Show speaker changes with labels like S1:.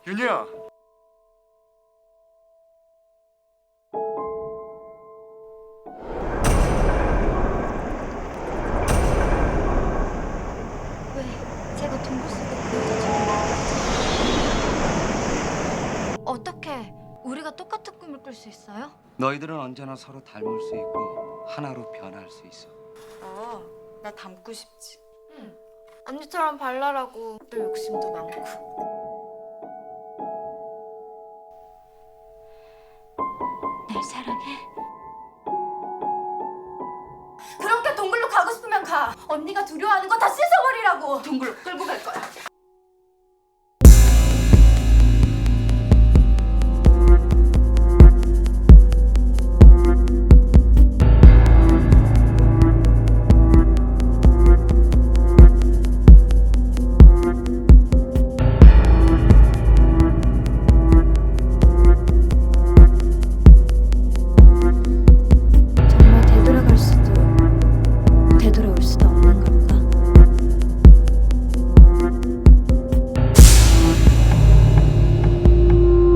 S1: 윤희야.
S2: 왜 제가 동굴 속에 그 여자처럼 어떻게 우리가 똑같은 꿈을 꿀 수 있어요?
S3: 너희들은 언제나 서로 닮을 수 있고 하나로 변할 수 있어.
S4: 나 닮고 싶지.
S2: 응. 언니처럼 발랄하고 또 욕심도 많고. 날 사랑해? 그렇게 동굴로 가고 싶으면 가. 언니가 두려워하는 거 다 씻어버리라고.
S4: 동굴로 끌고 갈 거야.
S2: 정말 되돌아갈 수도 되돌아올 수도